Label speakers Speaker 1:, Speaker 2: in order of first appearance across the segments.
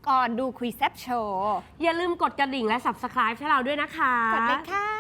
Speaker 1: ก่อนดูคุยแซบโชว์
Speaker 2: อย่าลืมกดกระดิ่งและ Subscribe ให้เราด้วยนะคะ
Speaker 1: กดเลยค่ะ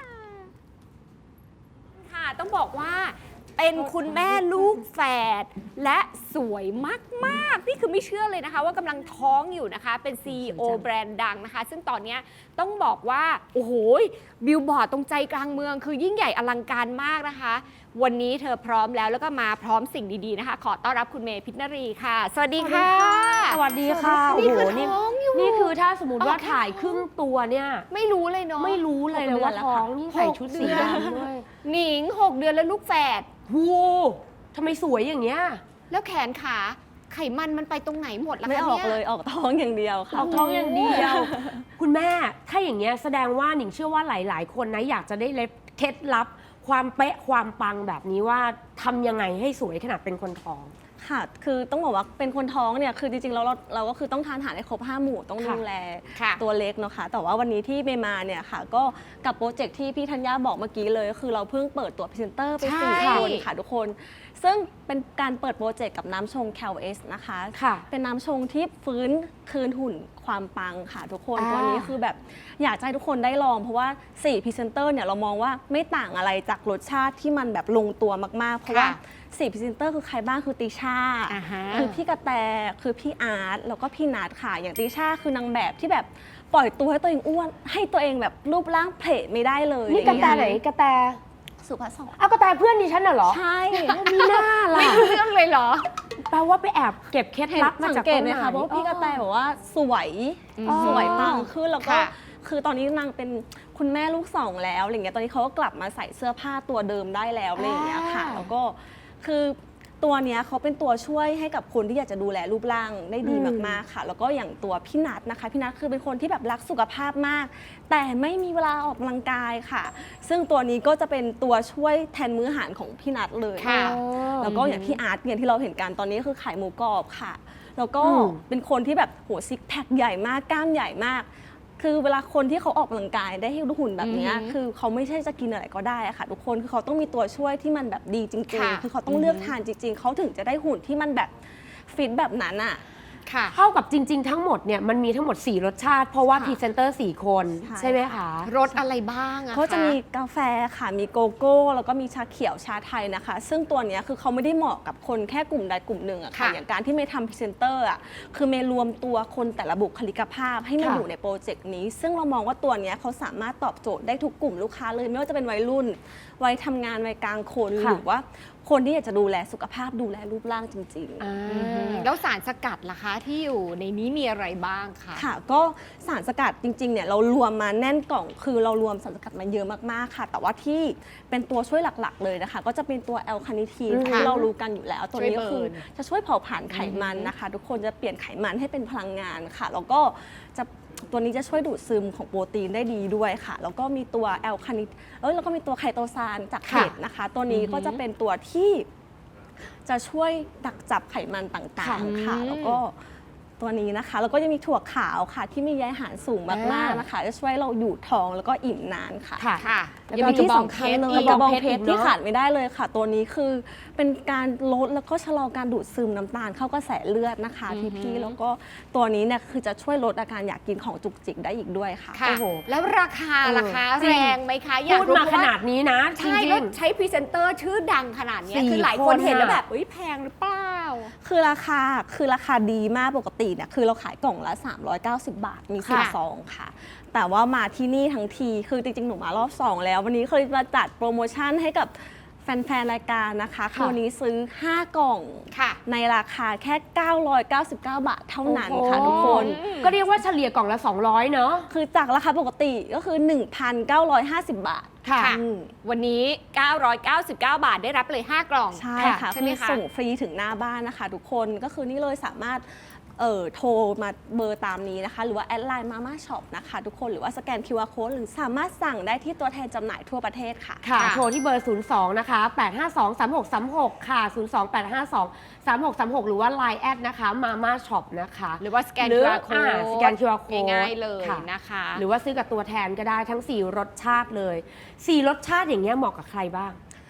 Speaker 1: ค่ะ ต้องบอกว่าเป็นคุณแม่ลูกแฝดและสวยมากๆนี่คือไม่เชื่อเลยนะคะว่ากำลังท้องอยู่นะคะเป็น CEO แบรนด์ดังนะคะซึ่งตอนนี้ต้องบอกว่าโอ้โหบิลบอร์ดตรงใจกลางเมืองคือยิ่งใหญ่อลังการมากนะคะวันนี้เธอพร้อมแล้วก็มาพร้อมสิ่งดีๆนะคะขอต้อนรับคุณเมย์พิชนรีค่ะสวัสดีค่ะ
Speaker 2: สวัสดีค่ะ
Speaker 1: นี่คือ
Speaker 2: โโห
Speaker 1: ท้องอยู่
Speaker 2: นี่คือถ้าสมมติว่า
Speaker 1: อ๋อ
Speaker 2: ถ่ายครึ่งตัวเนี่ย
Speaker 1: ไม่รู้เลยเนาะ
Speaker 2: ไม่รู้เลยนะว่าท้องนี่ใส่ชุดสีดำด้วย
Speaker 1: หนิง6 เดือนแล้วลูกแฝด
Speaker 2: หูทำไมสวยอย่างเงี้ย
Speaker 1: แล้วแขนขาไขมันไปตรงไหนหมดล่ะคะ
Speaker 3: ไม่
Speaker 1: เนี่ย
Speaker 3: ออกเลยออกท้องอย่างเดียวค่ะ
Speaker 2: ออกท้องอย่างเดียว คุณแม่ถ้าอย่างเงี้ยแสดงว่าหนิงเชื่อว่าหลายๆ คนนะอยากจะได้เคล็ดลับความเป๊ะความปังแบบนี้ว่าทำยังไงให้สวยขนาดเป็นคนท้อง
Speaker 3: ค่ะ คือต้องบอกว่าเป็นคนท้องเนี่ย คือจริงๆเราก็คือต้องทานอาหารให้ครบ5 หมู่ ต้องดูแล
Speaker 1: ค่ะ
Speaker 3: ตัวเล็กเนาะค่ะ แต่ว่าวันนี้ที่เมย์มาเนี่ยค่ะ ก็กับโปรเจกต์ที่พี่ธัญญาบอกเมื่อกี้เลยก็คือเราเพิ่งเปิดตัวพรีเซนเตอร์ไป
Speaker 1: ใช่
Speaker 3: 4 คนค่ะทุกคน ซึ่งเป็นการเปิดโปรเจกต์กับน้ำชง CalS นะคะ
Speaker 2: ค่ะ
Speaker 3: เป็นน้ำชงที่ฟื้นคืนหุ่นความปังค่ะทุกคน ตัวนี้คือแบบอยากให้ทุกคนได้ลอง เพราะว่า4พรีเซนเตอร์เนี่ยเรามองว่าไม่ต่างอะไรจากรสชาติที่มันแบบลงตัวมากๆ เพราะว่า4พรีเซนเตอร์คือใครบ้างคือติช่า คือพี่กระแตคือพี่อาร์ตแล้วก็พี่นัทค่ะ อย่างติช่าคือนางแบบที่แบบปล่อยตัวให้ตัวเองอ้วน ให้ตัวเองแบบรูปร่างเพลทไม่ได้เลย
Speaker 2: นี่กระแตไหนกระแต
Speaker 3: สุภาพสตรี
Speaker 2: เอากระแตเพื่อนดิฉันน่ะเหรอ
Speaker 3: ใช่
Speaker 2: มีหน้าล่ะ
Speaker 1: ไม่รู้เรื่องเลยเหรอ
Speaker 2: แปลว่าไปแอบเก็บเคล็ดลับมา
Speaker 3: สัง
Speaker 2: จาก
Speaker 3: เก
Speaker 2: ตร
Speaker 3: ต
Speaker 2: ง
Speaker 3: ไหม
Speaker 2: ไหน
Speaker 3: คะเพราะว่าพี่กระแตบอกว่าสวย
Speaker 1: อ๋อ
Speaker 3: สวยปังขึ้นแล้วก็
Speaker 1: ค่ะ
Speaker 3: คือตอนนี้นางเป็นคุณแม่ลูกสองแล้วอะไรเงี้ยตอนนี้เขาก็กลับมาใส่เสื้อผ้าตัวเดิมได้แล้วอะไรอย่างเงี้ยค่ะ แล้วก็คือตัวเนี้ยเขาเป็นตัวช่วยให้กับคนที่อยากจะดูแลรูปร่างได้ดีมากๆค่ะ แล้วก็อย่างตัวพี่นัทนะคะพี่นัทคือเป็นคนที่แบบรักสุขภาพมาก แต่ไม่มีเวลาออกกำลังกายค่ะ ซึ่งตัวนี้ก็จะเป็นตัวช่วยแทนมื้ออาหารของพี่นัทเลย
Speaker 1: ค่ะ
Speaker 3: แล้วก็อย่างพี่อาร์ตเนี่ยที่เราเห็นกันตอนนี้คือขายหมูกรอบค่ะ แล้วก็
Speaker 2: อืม
Speaker 3: เป็นคนที่แบบโหซิกแพคใหญ่มากกล้ามใหญ่มาก คือเวลาคนที่เขาออกกำลังกายได้ให้หุ่นแบบเนี้ย
Speaker 1: อือหือ
Speaker 3: คือเขาไม่ใช่จะกินอะไรก็ได้อะค่ะ ทุกคนคือเขาต้องมีตัวช่วยที่มันแบบดีจริง
Speaker 1: ค่ะ
Speaker 3: ๆ คือเขาต้องเลือกทานจริง ๆ เขาถึงจะได้หุ่นที่มันแบบฟิตแบบนั้นอ่ะ
Speaker 1: ค่ะ
Speaker 2: เท่ากับจริง ๆ ทั้งหมดเนี่ยมันมีทั้งหมด 4 รสชาติ เพราะว่า
Speaker 3: ค่ะ
Speaker 2: พรีเซนเตอร์ 4 คน
Speaker 3: ใช่
Speaker 2: ใช่ไหมคะ
Speaker 1: รสอะไรบ้างอะ
Speaker 3: ก็จะ
Speaker 1: ค
Speaker 3: มีกาแฟค่ะ มีโกโก้ แล้วก็มีชาเขียวชาไทยนะคะ ซึ่งตัวเนี้ยคือเขาไม่ได้เหมาะกับคนแค่กลุ่มใดกลุ่มหนึ่งอะค่ะ
Speaker 1: ค่ะ
Speaker 3: อย่างการที่เมย์ทำพรีเซนเตอร์อะคือเมย์รวมตัวคนแต่ละบุคลิกภาพให้มา
Speaker 2: ค่ะ
Speaker 3: อยู่ในโปรเจกต์นี้ ซึ่งเรามองว่าตัวเนี้ยเขาสามารถตอบโจทย์ได้ทุกกลุ่มลูกค้าเลย ไม่ว่าจะเป็นวัยรุ่น วัยทำงาน วัยกลางคน
Speaker 2: ค่ะ
Speaker 3: หรือว่าคนที่อยากจะดูแลสุขภาพดูแลรูปร่างจริง ๆ
Speaker 2: อ่า
Speaker 1: แล้วสารสกัดล่ะคะที่อยู่ในนี้มีอะไรบ้างคะ
Speaker 3: ค่ะก็สารสกัดจริงๆเนี่ยเรารวมมาแน่นกล่องคือเรารวมสารสกัดมาเยอะมากๆค่ะ แต่ว่าที่เป็นตัวช่วยหลักๆเลยนะคะ ก็จะเป็นตัวแอลคาเนทีน
Speaker 2: อืม
Speaker 3: ที่เรารู้กันอยู่แล้ว ตัวนี้ก็คือ
Speaker 1: ช่วยเบิร์น
Speaker 3: จะช่วยเผาผลาญไขมันนะคะ ทุกคนจะเปลี่ยนไขมันให้เป็นพลังงานค่ะ แล้วก็จะตัวนี้จะช่วยดูดซึมของโปรตีนได้ดีด้วยค่ะ แล้วก็มีตัวแอลคาเนแล้วก็มีตัวไคโตซานจากเห็ดนะคะ ตัวนี้ก็จะเป็นตัวที่จะช่วยดักจับไขมันต่างๆค่ะ
Speaker 1: อืม
Speaker 3: แล้วก็ตัวนี้นะคะ แล้วก็จะมีถั่วขาวค่ะ ที่มีใยอาหารสูงมากๆนะคะ จะช่วยเราอยู่ท้องแล้วก็อิ่มนานค่ะ
Speaker 2: ค่ะ
Speaker 1: ค่ะ
Speaker 3: แล้ว
Speaker 1: ยัง
Speaker 3: ก็
Speaker 1: มีกระ
Speaker 3: ที่
Speaker 1: บอง
Speaker 3: สำ
Speaker 1: เพ
Speaker 3: คัญ
Speaker 1: ชร
Speaker 3: เลย
Speaker 1: อีก
Speaker 3: กระบอง
Speaker 2: เพ
Speaker 3: เพ
Speaker 2: ช
Speaker 3: ช
Speaker 2: ร
Speaker 3: ร
Speaker 2: เนอะ
Speaker 3: ที่ขาดไม่ได้เลยค่ะ ตัวนี้คือเป็นการลดแล้วก็ชะลอการดูดซึมน้ำตาลเข้ากระแสเลือดนะคะพี่ๆแล้วก็ตัวนี้เนี่ยคือจะช่วยลดอาการอยากกินของจุกจิกได้อีกด้วยค่ะ
Speaker 1: ค่ะ
Speaker 2: โอ้โห
Speaker 1: แล้วราคาล่ะคะ
Speaker 2: จริง
Speaker 1: แรงไหมคะอยาก
Speaker 2: พูด
Speaker 1: รู้
Speaker 2: มา
Speaker 1: เพ
Speaker 2: ข
Speaker 1: ราะว่า
Speaker 2: นาดนี้นะจ
Speaker 1: ใช่
Speaker 2: ริ
Speaker 1: แล้ว
Speaker 2: ง
Speaker 1: ใช้พรีเซนเตอร์ชื่อดังขนาดเนี้ย
Speaker 2: 4
Speaker 1: คือหลายคนเห็นแล้ว
Speaker 2: คนอะ
Speaker 1: แบบเอ้ยแพงหรือเปล่า
Speaker 3: คือราคาดีมากปกติเนี่ยคือเราขายกล่องละ390 บาทมี
Speaker 1: ค่ะ
Speaker 3: 4 ซองค่ะ แต่ว่ามาที่นี่ทั้งทีคือจริงๆ หนูมารอบ 2 แล้ว วันนี้เคยมาจัดโปรโมชั่นให้กับแฟนๆ รายการนะคะคือวันนี้ซื้อ 5 กล่อง
Speaker 1: ค่ะ
Speaker 3: ในราคาแค่ 999 บาทเท่านั้นค่ะ
Speaker 2: โอ้โห
Speaker 3: ทุกคน
Speaker 2: ก็เรียกว่าเฉลี่ยกล่องละ 200 เนอะ
Speaker 3: คือจากราคาปกติก็คือ 1,950 บาท
Speaker 2: ค่ะ
Speaker 3: อืม
Speaker 1: วันนี้ 999 บาทได้รับเลย 5 กล่อง
Speaker 3: ใช่ค่ะ
Speaker 1: ใช่ไหม
Speaker 3: คือ
Speaker 1: คะ
Speaker 3: ส่งฟรีถึงหน้าบ้านนะคะ ทุกคนก็คือนี่เลยสามารถโทรมาเบอร์ตามนี้นะคะ หรือว่าแอดไลน์มาม่าช็อปนะคะ ทุกคนหรือว่าสแกน QR Code หรือสามารถสั่งได้ที่ตัวแทนจำหน่ายทั่วประเทศค่ะ
Speaker 2: ค่ะ
Speaker 1: ค่ะ
Speaker 2: โทรที่เบอร์ 02 นะคะ 852-3636 ค่ะ 02-852-3636 หรือว่า Line แอดนะคะ Mama Shop นะคะ
Speaker 1: หรือว่าสแกน
Speaker 2: หรือ
Speaker 1: QR code
Speaker 2: สแกน QR code
Speaker 1: ง่ายๆเลย
Speaker 2: ค่ะ
Speaker 1: นะคะ
Speaker 2: หรือว่าซื้อกับตัวแทนก็ได้ทั้ง 4 รสชาติเลย 4 รสชาติอย่างเงี้ยเหมาะกับใครบ้าง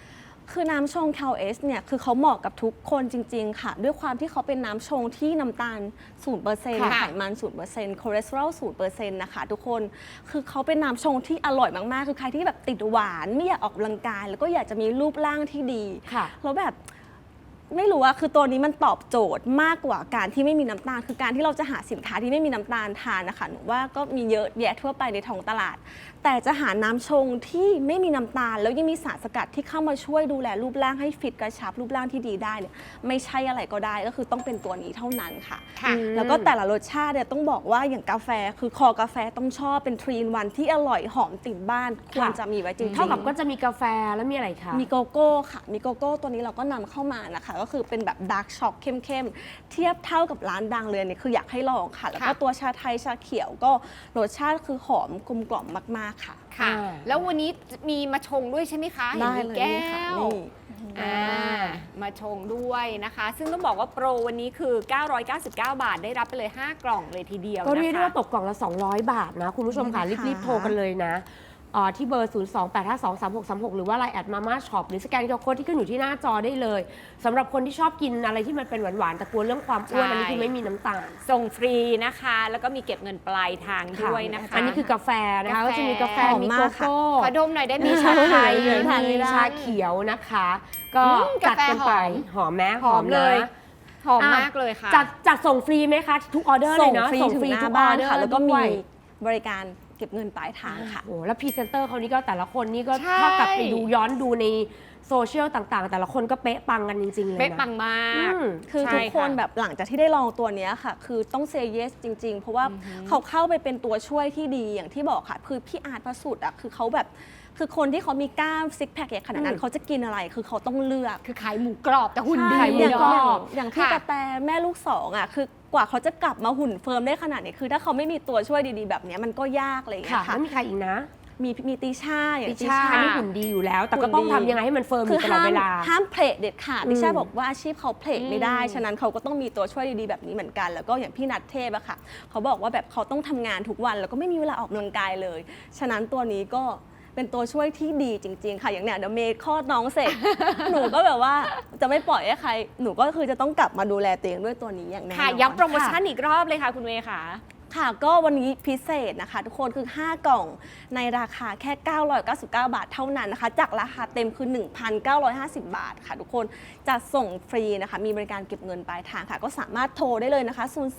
Speaker 3: คือน้ำชง KLS เนี่ยคือเขาเหมาะกับทุกคนจริงๆค่ะด้วยความที่เขาเป็นน้ำชงที่น้ำตาล 0%
Speaker 1: ค่ะ
Speaker 3: ไขมัน 0% คอเลสเตอรอล 0% นะคะทุกคนคือเขาเป็นน้ำชงที่อร่อยมากๆคือใครที่แบบติดหวานไม่อยากออกกำลังกาย แล้วก็อยากจะมีรูปร่างที่ดี
Speaker 2: ค่ะ
Speaker 3: แล้วแบบไม่รู้อะคือตัวนี้มันตอบโจทย์มากกว่าการที่ไม่มีน้ำตาล คือการที่เราจะหาสินค้าที่ไม่มีน้ำตาลทานนะคะหนูว่าก็มีเยอะแยะทั่วไปในท้องตลาด แต่จะหาน้ำชงที่ไม่มีน้ำตาล แล้วยังมีสารสกัดที่เข้ามาช่วยดูแลรูปร่างให้ฟิตกระชับรูปร่างที่ดีได้เนี่ยไม่ใช่อะไรก็ได้ก็คือต้องเป็นตัวนี้เท่านั้นค่ะ
Speaker 1: ค่ะ
Speaker 3: แล้วก็แต่ละรสชาติเนี่ยต้องบอกว่าอย่างกาแฟคือคอกาแฟต้องชอบเป็น3-in-1ที่อร่อยหอมติดบ้านควรจะมีไว้จริงๆ
Speaker 2: เท่ากับก็จะมีกาแฟแล้วมีอะไรคะ
Speaker 3: มีโกโก้ค่ะ มีโกโก้ตัวนี้เราก็นำเข้ามานะคะ ก็คือเป็นแบบดาร์กช็อกเข้มๆ เทียบเท่ากับร้านดังเลยเนี่ยคืออยากให้ลองค่ะ แล้วก็
Speaker 1: ค่ะ
Speaker 3: ตัวชาไทยชาเขียวก็รสชาติคือหอมกลมกล่อมมากๆค่ะ
Speaker 1: ค่ะ แล้ววันนี้มีมาชงด้วยใช่ไหมคะเห็น
Speaker 3: ได้
Speaker 1: มี
Speaker 3: เลย
Speaker 1: แก้
Speaker 3: นี่ค่ะ
Speaker 1: ว
Speaker 3: นี่
Speaker 1: มาชงด้วยนะคะ ซึ่งต้องบอกว่าโปรวันนี้คือ 999 บาทได้รับไปเลย 5 กล่องเลยทีเดียว
Speaker 2: ก็เรียกได้
Speaker 1: นะคะ
Speaker 2: ว่าตกกล่องละ 200 บาทนะ คุณผู้ชมค่ะ รีบๆ โทรกันเลยนะที่เบอร์ 028523636 หรือว่า Line แอดมาม่าช็อปหรือสแกนโค้ดที่ขึ้นอยู่ที่หน้าจอได้เลยสำหรับคนที่ชอบกินอะไรที่มันเป็นหวานๆแต่กลัวเรื่องความอ้วน
Speaker 1: ใช่
Speaker 2: อันนี้คือไม่มีน้ำตาล
Speaker 1: ส่งฟรีนะคะ แล้วก็มีเก็บเงินปลายทางด้วยนะคะ
Speaker 2: อันนี้คือกาแฟนะคะ
Speaker 1: กาแฟ
Speaker 2: ก็จะมีกาแฟ
Speaker 3: หอม
Speaker 2: มี
Speaker 3: มา
Speaker 2: โก
Speaker 3: กค่ะ
Speaker 2: โก้
Speaker 1: ขอดมหน่อยได้ไหม
Speaker 2: มี
Speaker 1: คะ
Speaker 2: ชาไทย
Speaker 3: ทานไม่
Speaker 2: มี
Speaker 3: ได้
Speaker 2: ชาเขียวนะคะ ก็
Speaker 1: กา
Speaker 2: จัด
Speaker 1: แฟ
Speaker 2: กันไป
Speaker 1: หอม
Speaker 2: หอมไหม
Speaker 1: หอมเลย
Speaker 2: นะ
Speaker 1: หอมมากเลยค่ะ
Speaker 2: จัดส่งฟรีไหมคะ ทุกออเดอร์เล
Speaker 3: ส่
Speaker 2: ย
Speaker 3: ง
Speaker 2: เนาะ
Speaker 3: ฟรีถึงหน้าบ้านค่ะ แล้วก็มีบริการเก็บเงินปลายทางค่ะ
Speaker 2: โอ้แล้วพรีเซนเตอร์เขานี่ก็แต่ละคนนี่ก็
Speaker 1: ใช่
Speaker 2: ถ้ากลับไปดูย้อนดูในโซเชียลต่างๆ แต่ละคนก็เป๊ะปังกันจริง ๆ เลยนะ
Speaker 1: เป๊ะปังมาก
Speaker 3: คือ
Speaker 1: ใช่
Speaker 3: ทุกคน
Speaker 1: ค่ะ
Speaker 3: แบบหลังจากที่ได้ลองตัวเนี้ยค่ะ คือต้องเซเยสจริง ๆ เพราะว่าเขาเข้าไปเป็นตัวช่วยที่ดีอย่างที่บอกค่ะ คือพี่อาร์ตประสุทธิ์อ่ะคือเขาแบบคือคนที่เขามีกล้ามซิกแพคใหญ่ขนาดนั้นเขาจะกินอะไรคือเขาต้องเลือก
Speaker 1: คือขายหมูกรอบแต่หุ่นดี
Speaker 3: ใช่
Speaker 2: หมู
Speaker 3: อย่าง
Speaker 2: กรอบ
Speaker 3: อย่างพี่
Speaker 1: ค่ะ
Speaker 3: กระแตแม่ลูกสองอ่ะคือกว่าเขาจะกลับมาหุ่นเฟิร์มได้ขนาดนี้คือถ้าเขาไม่มีตัวช่วยดีๆแบบเนี้ยมันก็ยากอะไรอย่างเงี้
Speaker 2: ค่ะ
Speaker 3: ยค่ะ
Speaker 2: แล้วมีใครอีกนะ
Speaker 3: มีติช่าอย่าง
Speaker 2: ติชานี่หุ่นดีอยู่แล้ว แต่ก็ต้องทำยังไงให้มันเฟิร์มอ
Speaker 3: คือยู่
Speaker 2: ตลอดเวลา
Speaker 3: ห้ามเพลทเด็ดขาด
Speaker 2: อืม
Speaker 3: ติช่าบอกว่าอาชีพเขาเพลทไม่ได้
Speaker 1: อืม
Speaker 3: ฉะนั้นเขาก็ต้องมีตัวช่วยดีๆแบบนี้เหมือนกัน แล้วก็อย่างพี่นัทเทพอะค่ะเขาบอกว่าแบบเขาต้องทำงานทุกวันแล้วก็ไม่มีเวลาออกกำลังกายเลย ฉะนั้นตัวนี้ก็เป็นตัวช่วยที่ดีจริง ๆ ค่ะอย่างเนี้ยเดี๋ยวเมย์คลอดน้องเสร็จ หนูก็แบบว่าจะไม่ปล่อยให้ใครหนูก็คือจะต้องกลับมาดูแลตัวเองด้วยตัวนี้อย่างแน่นอน
Speaker 1: ค่ะย้ำโปรโมชั่นอีกรอบเลยค่ะคุณเวย์ค่ะ
Speaker 3: ค่ะก็วันนี้พิเศษนะคะ ทุกคนคือ 5 กล่องในราคาแค่ 999 บาทเท่านั้นนะคะ จากราคาเต็มคือ 1,950 บาทค่ะทุกคนจะส่งฟรีนะคะ มีบริการเก็บเงินปลายทางค่ะ ก็สามารถโทรได้เลยนะคะ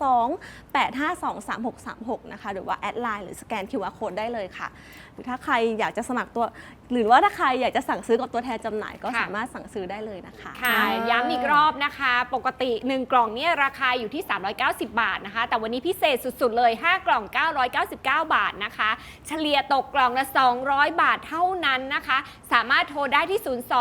Speaker 3: 02-852-3636 นะคะ หรือว่าแอดไลน์หรือสแกน QR Code ได้เลยค่ะหรือถ้าใครอยากจะสมัครตัว หรือว่าถ้าใครอยากจะสั่งซื้อกับตัวแทนจำหน่ายก็
Speaker 1: ค่ะ
Speaker 3: สามารถสั่งซื้อได้เลยนะคะ
Speaker 1: ค่ะ ย้ำอีกรอบนะคะ ปกติ 1 กล่องเนี่ยราคาอยู่ที่ 390 บาทนะคะ แต่วันนี้พิเศษสุดๆเลย 5 กล่อง 999 บาทนะคะ เฉลี่ยตกกล่องละ 200 บาทเท่านั้นนะคะ สามารถโทรได้ที่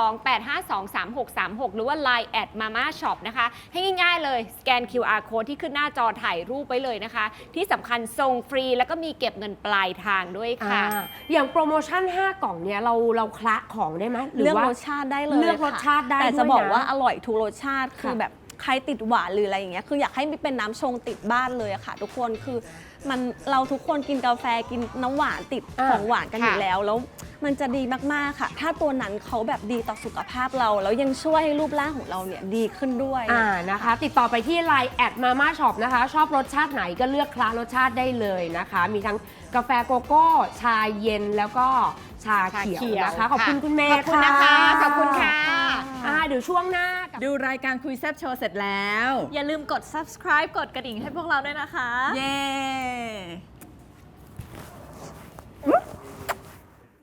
Speaker 1: 02-852-3636 หรือว่า Line แอดมาม่าช็อปนะคะ ให้ง่ายๆเลย สแกน QR Code ที่ขึ้นหน้าจอถ่ายรูปไว้เลยนะคะ ที่สำคัญส่งฟรีแล้วก็มีเก็บเงินปลายทางด้วยค่ะ
Speaker 2: อย่างโปรโมชั่น 5 กล่องเนี่ยเราคละของได้ไหมหรือ
Speaker 3: เลือก
Speaker 2: ว่าร
Speaker 3: สชาติได้เลย
Speaker 2: เลือกรสชาติได้
Speaker 3: แต่
Speaker 2: ด้วย
Speaker 3: จะบอก
Speaker 2: นะ
Speaker 3: ว่าอร่อยทุกรสชาติคือ
Speaker 2: ค่ะ
Speaker 3: แบบใครติดหวานหรืออะไรอย่างเงี้ยคืออยากให้เป็นน้ำชงติดบ้านเลยอะค่ะ ทุกคนคือมันเราทุกคนกินกาแฟกินน้ำหวานติดของหวานกันอยู่
Speaker 1: ค่ะ
Speaker 3: แล้วมันจะดีมากๆค่ะ ถ้าตัวนั้นเขาแบบดีต่อสุขภาพเราแล้วยังช่วยให้รูปร่างของเราเนี่ยดีขึ้นด้วย
Speaker 2: นะคะ ติดต่อไปที่ Line แอดมาม่าช็อปนะคะ ชอบรสชาติไหนก็เลือกคละรสชาติได้เลยนะคะ มีทั้งกาแฟโกโก้ ชาเย็นแล้วก็ชาเขียวนะคะ ขอบคุณคุณเมย์
Speaker 1: ขอบคุณนะคะ ขอบคุณค่ะ
Speaker 2: เดี๋ยวช่วงหน้ากับ
Speaker 4: ดูรายการคุยแซบโชว์เสร็จแล้ว
Speaker 5: อย่าลืมกด subscribe กดกระดิ่งให้พวกเราด้วยนะคะ
Speaker 4: เย้